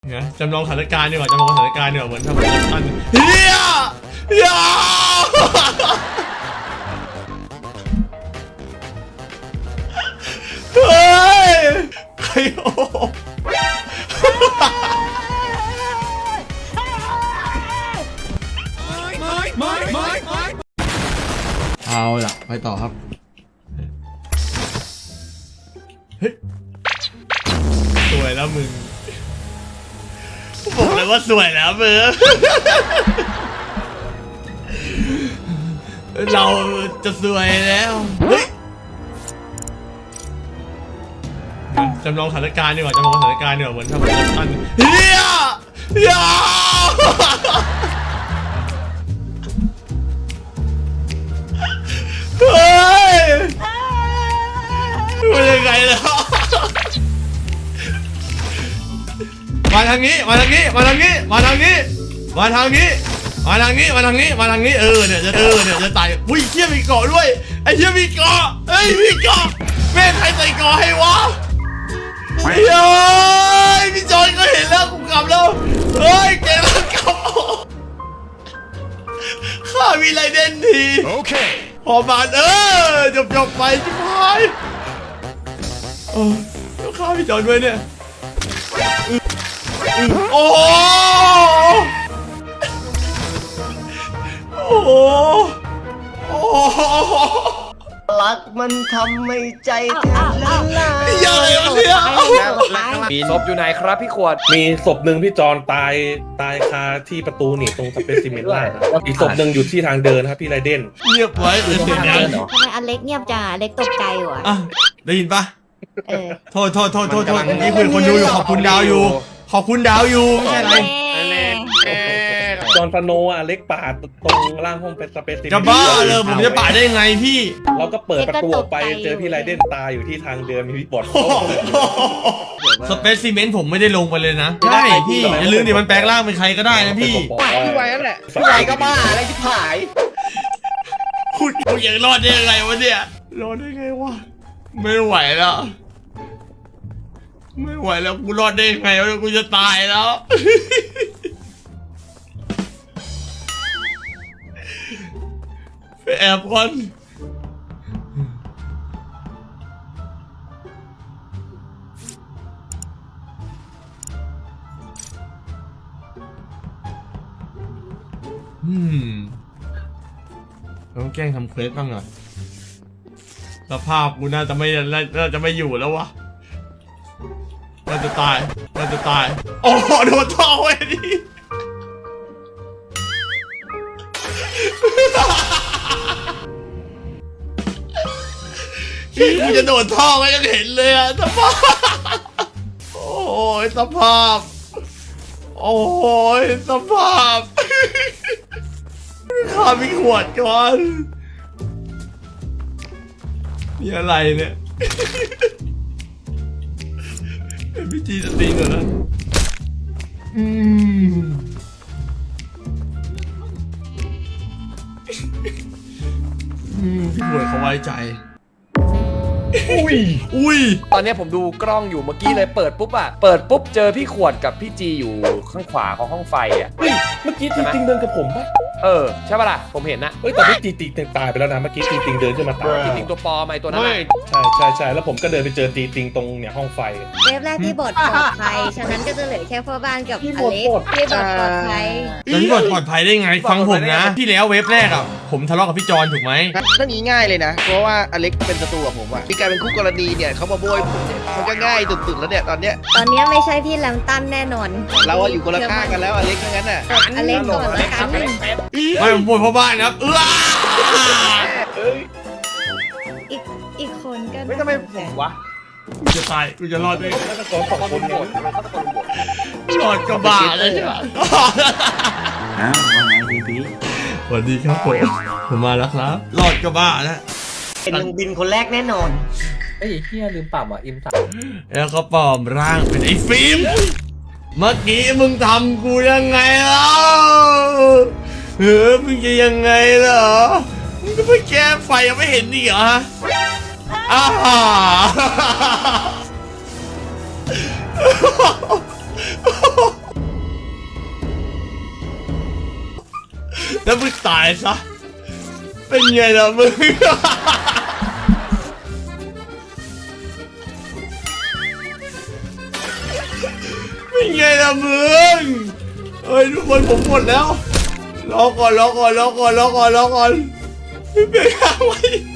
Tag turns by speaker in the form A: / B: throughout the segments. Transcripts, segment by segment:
A: เนี่ยจำลองสถานการณ์ดีกว่าจำลองสถานการณ์ดีกว่าเหมือนทำอันเฮียเฮ้ยใครโอ้เอาล่ะไปต่อครับเฮ้ยสวยแล้วมึงบอกเลยว่าสวยแล้วมึงเราจะสวยแล้วเฮ้ยจำลองสถานการณ์ดีกว่าจำลองสถานการณ์ดีกว่าเหมือนทำอันเฮียเฮ้ยมันยังไงแล้วมาทางนี้มาทางนี้มาทางนี้มาทางนี้มาทางนี้มาทางนี้มาทางนี้มาทางนี้เนี่ยจะตายอุ้ยเชี่ยมีเกาะด้วยไอ้เชี่ยมีเกาะเฮ้ยมีเกาะแม่ใครใส่เกาะให้วะเฮ้ยพี่จอยก็เห็นแล้วกูกลับแล้วเฮ้ยแกแล้วกลับข้ามีไรเด่นทีโอเคพอบานจบไปชิบหายแล้วข้าพี่จอยด้วยเนี่ยโอ้โห
B: รักมันทำให้ใจแทบละลาย
A: ยังไงวะเนี่ย
C: มีศพอยู่ไหนครับพี่ขวด
D: มีศพหนึ่งพี่จอนตายคาที่ประตูนี่ตรงสเปซิเมนต์ล่างอีกศพหนึ่งอยู่ที่ทางเดินครับพี่ไรเดน
A: เงียบไว้เสียงดัง
E: ทำไมอเล็กเงียบจังอเล็กตกใจอยู่อ่ะ
A: ได้ยินปะโทษนี่คุยคนดูอยู่ขอบคุณดาวอยู่ขอบคุณดาวอยู่ไม่ใช่อะไร
D: จอนฟาโนเล็กป่าตรงล่างห้องเป็นสเปซิเมนต์
A: จะบ้าเลยผมจะป่าได้ยังไงพี่
D: เราก็เปิดประตูออกไปเจอพี่ไรเดนตายอยู่ที่ทางเดินมีพี่บอด
A: สเปซิเมนต์ผมไม่ได้ลงไปเลยนะใช่พี่อย่าลืมดิมันแปลงร่างเป็นใครก็ได้นะพี่
B: พี่ไว้นั่นแหละพี่ไว้ก็บ้าอะไรที่ผาย
A: คุณยังรอดได้ยังไงวะเนี่ยรอดได้ไงวะไม่ไหวแล้วไม่ไหวแล้วกูรอดได้ยังไงวะกูจะตายแล้วไปแอบก่อนต้องแกล้งทำเควสบ้างอ่ะสภาพกูน่าจะไม่อยู่แล้ววะน่าจะตายโอ้โหโดนท่อไว้ดิกูจะโดนท่อไว้ยังเห็นเลยอะสภาพโอ้ยสภาพโอ้ยสภาพข้ามีขวดก่อนนี่อะไรเนี่ยเป็นพิธีสติก่อนนะพี่ขวดเขาไว้ใจอุ้ย
C: ตอนนี้ผมดูกล้องอยู่เมื่อกี้เลยเปิดปุ๊บเจอพี่ขวดกับพี่จีอยู่ข้างขวาของห้องไฟอ่ะ
D: เฮ้ยเมื่อกี้จริงๆเดินกับผมปะ
C: ใช่ป่ะล่ะผมเห็นนะ
D: แต่พี่จริงตายไปแล้วนะเมื่อกี้จริงเดินขึ้นมาตาย
C: จริงตัวปอไหมตัวนั้น
D: ใช่แล้วผมก็เดินไปเจอจริงตรงเนี่ยห้องไฟ
E: เว็บแรกพี่บทปลอดภัยฉะนั้นก็จะเหลือแค่พ่อบ้านกับอเล็กพี่บทปลอดภัย
A: พี่บทปลอดภัยได้ไงฟังผมนะที่แล้วเว็บแรกอ่ะผมทะเลาะกับพี่จอนถูกไหม
B: เรื่องนี้ง่ายเลยนะเพราะว่าอเล็กเป็นศัตรูกับผมอะมีการเป็นคู่กรณีเนี่ยเขามาโบยผมเนี่ยมันก็ง่ายสุดๆแล้วเนี่ยตอนเนี้ย
E: ไม่ใช่พี่แลมตันแน่นอน
B: เราอยู่คนละข้างกันแล้วอเล็กงั้นน่ะ
E: อเล็กก่อนละกัน
A: ไม่ผมป่วยเพราะบ้านครับ
E: อีกคนก็
C: ไม่ทำไมผมวะ
A: กูจะตายกูจะรอดได้
D: ขอบคุณหมด
A: รอดก็บ้าเลยใช่ไหมสวัสดีครับผมมาแล้วครับรอดก็บ้าแล้ว
B: เป็นลุงบินคนแรกแน่นอน
C: เฮียลืมปรับอ่ะอิมสั่ง
A: แล้วก็ปลอมร่างเป็นไอ้ฟิล์มเมื่อกี้มึงทำกูยังไงล่ะมึงจะยังไงเหรอมึงก็ไปแก้ไฟยังไม่เห็นนี่เหรอฮะแล้วมึงตายซะเป็นไงล่ะมึงเป็นไงล่ะมึงเฮ้ยทุกคนผมหมดแล้วรอก่อนเบรกล่างไว้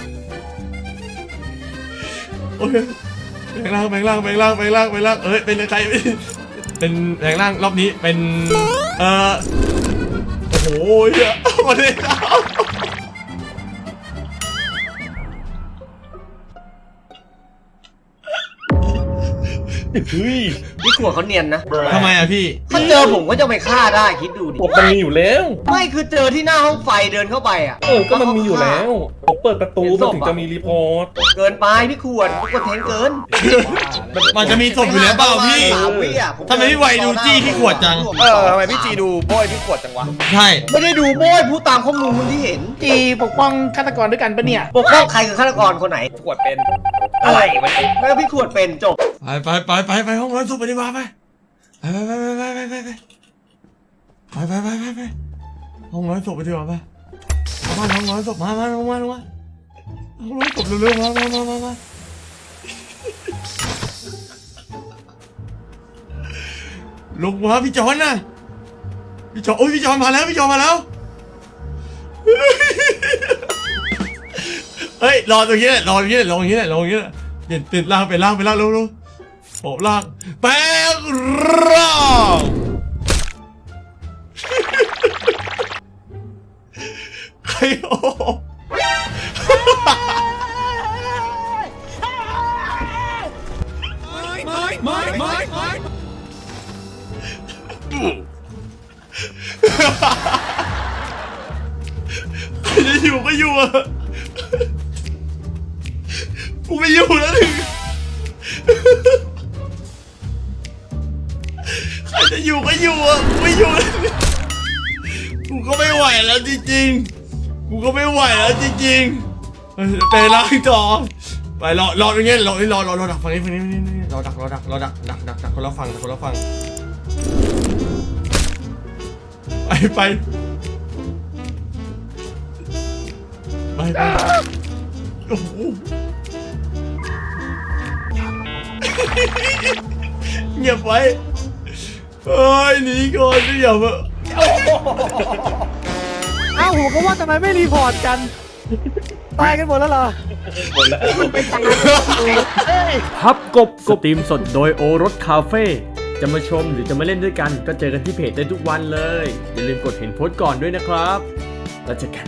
A: โอเคแบงล่างเอ้ยเป็นใครเป็นแบงล่างรอบนี้เป็นโอ้โหเหี้ยมาเลยครับ
D: เฮ้ย
F: พี่ขวดเขาเนียนนะ
A: ทำไมอะพี่
F: ถ้าเจอผมก็จะไปฆ่าได้คิดดูดิ
D: กดมันมีอยู่แล้ว
F: ไม่คือเจอที่หน้าห้องไฟเดินเข้าไปอ่ะ
D: ก็มันมีอยู่แล้วผมเปิดประตูมันถึงจะมีรีพอร์ต
F: เกินไปพี่ขวดก็แทงเกิน
A: มันจะมีศพอยู่แล้วเปล่าพี่
F: 3 วิอ่ะ
A: ทำไมพี่ไวดูจี้พี่ขวดจัง
B: ทำไมพี่จีดูโบยพี่ขวดจังวะ
A: ใช่
F: ไม่ได้ดูโบ้ยพูดตามข้อมูลที่เห็น
B: จีปกป้องฆาตกรด้วยกันปะเนี่ย
F: ปกป้องใครคือฆาตกรคนไหน
C: ขวดเป็น
F: อะไรวะแล้วพี่ขวดเป็นจบ
A: ไปห้องร้อนศพไปดีกว่าไปห้องร้อนศพไปดีกว่าไปห้องร้อนศพมาห้องร้อนศพเร็วๆมาลงมาพี่จอนนะพี่จอนโอ้ยพี่จอนมาแล้วเฮ้ยรอตรงนี้แหละเปลี่ยนล่างเร็วโผล่ล่างแปลงร่างใครโอ้จะอยู่ก็อยู่อ่ะกูไม่อยู่แล้วถึงใครจะอยู่ก็อยู่อ่ะกูไม่อยู่แล้วกูก็ไม่ไหวแล้วจริงๆไปล้างต่อไปรอตรงนี้รอดักฝั่งนี้รอดักคนละฝั่งไปโอ้โหเงียบไว้เฮ้ยหนีก่อนอย่ามา
G: อ้าวผมก็ว่าทำไมไม่รีพอร์ตกัน ตายกันหมดแล้วเหรอ
D: หมดแล้ว
H: พับกบสตรีมสดโดยโอรสคาเฟ่จะมาชมหรือจะมาเล่นด้วยกันก็เจอกันที่เพจได้ทุกวันเลย อย่าลืมกดเห็นโพสต์ก่อนด้วยนะครับแล้วเจอกัน